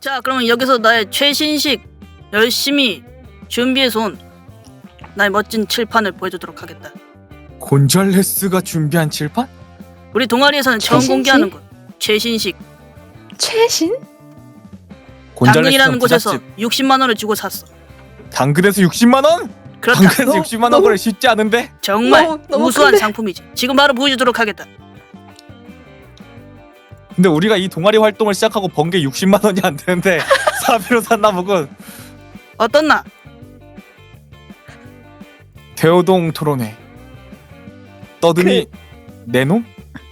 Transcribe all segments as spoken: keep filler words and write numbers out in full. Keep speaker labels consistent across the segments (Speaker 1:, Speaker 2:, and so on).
Speaker 1: 자, 그러면 여기서 나의 최신식 열심히 준비해서 온 나의 멋진 칠판을 보여주도록 하겠다.
Speaker 2: 곤잘레스가 준비한 칠판?
Speaker 1: 우리 동아리에서는 처음
Speaker 3: 최신식?
Speaker 1: 공개하는 거. 최신식.
Speaker 3: 최신?
Speaker 1: 당근이라는
Speaker 2: 곤잘레스는
Speaker 1: 곳에서
Speaker 2: 부잣집.
Speaker 1: 육십만 원을 주고 샀어.
Speaker 2: 당근에서 육십만 원?
Speaker 1: 그렇다.
Speaker 2: 당근에서
Speaker 3: 너-
Speaker 2: 육십만 원
Speaker 3: 너무-
Speaker 2: 거래 쉽지 않은데?
Speaker 1: 정말
Speaker 3: 너무- 너무
Speaker 1: 우수한
Speaker 3: 큰데?
Speaker 1: 상품이지. 지금 바로 보여주도록 하겠다.
Speaker 2: 근데 우리가 이 동아리 활동을 시작하고 번 게 육십만 원이 안 되는데 사비로 샀나 보군.
Speaker 1: 어떻나?
Speaker 2: 대호동 토론회. 떠드니 내 놈?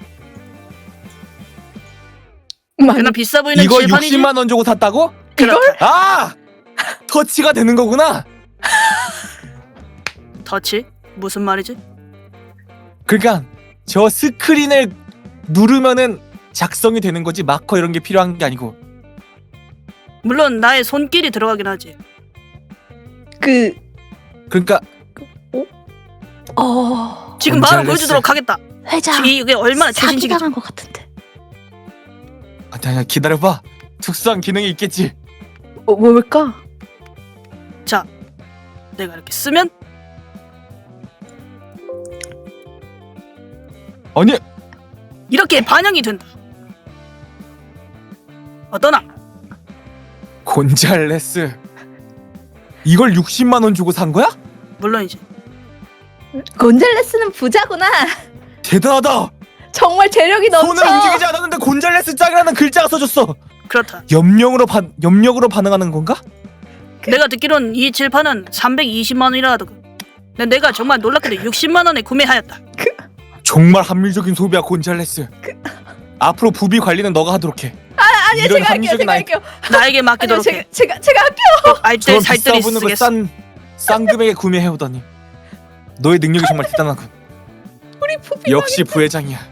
Speaker 3: 많이
Speaker 1: 그나 비싸 보이는
Speaker 2: 이거
Speaker 1: 칠판이지?
Speaker 2: 육십만 원 주고 샀다고?
Speaker 1: 그렇다.
Speaker 2: 아! 터치가 되는 거구나.
Speaker 1: 터치? 무슨 말이지?
Speaker 2: 그러니까 저 스크린을 누르면은 작성이 되는 거지 마커 이런 게 필요한 게 아니고.
Speaker 1: 물론 나의 손길이 들어가긴 하지.
Speaker 3: 그
Speaker 2: 그러니까
Speaker 3: 어...
Speaker 1: 지금 바로
Speaker 2: 곤잘레스.
Speaker 1: 보여주도록 하겠다.
Speaker 3: 회장
Speaker 1: 이게 얼마나 최신식이지?
Speaker 3: 사기당한 것 같은데.
Speaker 2: 아니 아니 기다려봐. 특수한 기능이 있겠지.
Speaker 3: 어, 뭘까?
Speaker 1: 자, 내가 이렇게 쓰면
Speaker 2: 아니
Speaker 1: 이렇게 반영이 된다. 어떠나?
Speaker 2: 곤잘레스 이걸 육십만 원 주고 산 거야?
Speaker 1: 물론이지.
Speaker 3: 곤잘레스는 부자구나.
Speaker 2: 대단하다.
Speaker 3: 정말 재력이 넘쳐.
Speaker 2: 손을 움직이지 않았는데 곤잘레스 짱이라는 글자가 써졌어.
Speaker 1: 그렇다.
Speaker 2: 염력으로 반 염력으로 반응하는 건가?
Speaker 1: 내가 듣기론 이 칠판은 삼백이십만 원이라 하더군. 근데 내가 정말 놀랍게도 육십만 원에 구매하였다.
Speaker 2: 정말 합리적인 소비야 곤잘레스. 앞으로 부비 관리는 너가 하도록 해.
Speaker 3: 아니요,
Speaker 2: 이런
Speaker 3: 제가 할게요.
Speaker 2: 합리적인
Speaker 3: 제가
Speaker 2: 아이-
Speaker 3: 할게요.
Speaker 1: 나에게
Speaker 3: 아니요,
Speaker 1: 맡기도록
Speaker 3: 제가
Speaker 1: 해.
Speaker 3: 제가 제가 할게요.
Speaker 1: 알뜰
Speaker 2: 저런
Speaker 1: 살뜰히
Speaker 2: 비싸 보는
Speaker 1: 쓰겠어.
Speaker 2: 거싼싼 금액에 구매해오다니. 너의 능력이 정말 대단하군.
Speaker 3: 우리 부비
Speaker 2: 역시 부회장이야.